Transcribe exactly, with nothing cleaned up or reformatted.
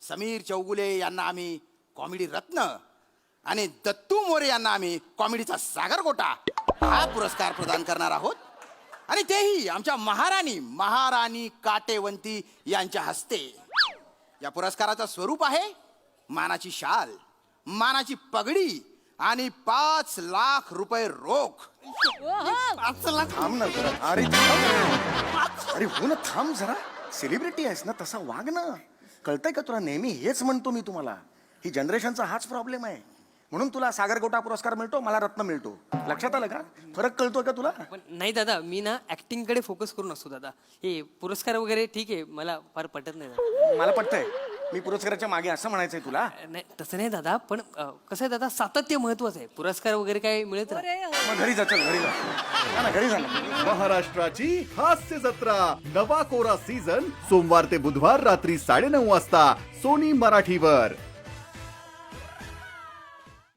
समीर चौगुले यांना आम्ही कॉमेडी रत्न आणि दत्तू मोरे यांना आम्ही कॉमेडीचा सागरगोटा हा पुरस्कार प्रदान करणार आहोत. आणि तेही आमच्या महाराणी महाराणी काटेवंती यांच्या हस्ते. या पुरस्काराचं स्वरूप आहे मानाची शाल, मानाची पगडी आणि पाच लाख रुपये रोख. पाच लाख थांब ना जरा. अरे थांब. अरे हो ना, थांब जरा. सेलिब्रिटी आहेस ना, तसा वाग ना. कळतंय का तुला? नेहमी हेच म्हणतो मी तुम्हाला. ही जनरेशनचा हाच प्रॉब्लेम आहे. म्हणून तुला सागरगोटा पुरस्कार मिळतो, मला रत्न मिळतो. लक्षात आलं का? फरक कळतोय का तुला? पण नाही दादा, मी ना ऍक्टिंग कडे फोकस करून असतो दादा. हे पुरस्कार वगैरे ठीक आहे, मला फार पटत नाही दादा. मला पटतंय. मी पुरस्काराच्या मागे असं म्हणायचंय तुला. नाही तसं नाही दादा, पण अं, कसं आहे दादा, सातत्य महत्वाचं आहे. पुरस्कार वगैरे काय मिळत नाही. मग घरी जा, चल घरी जा. जा ना, घरी जा ना. महाराष्ट्राची हास्य जत्रा नवा कोरा सीझन सोमवार ते बुधवार रात्री साडेनऊ वाजता सोनी मराठीवर.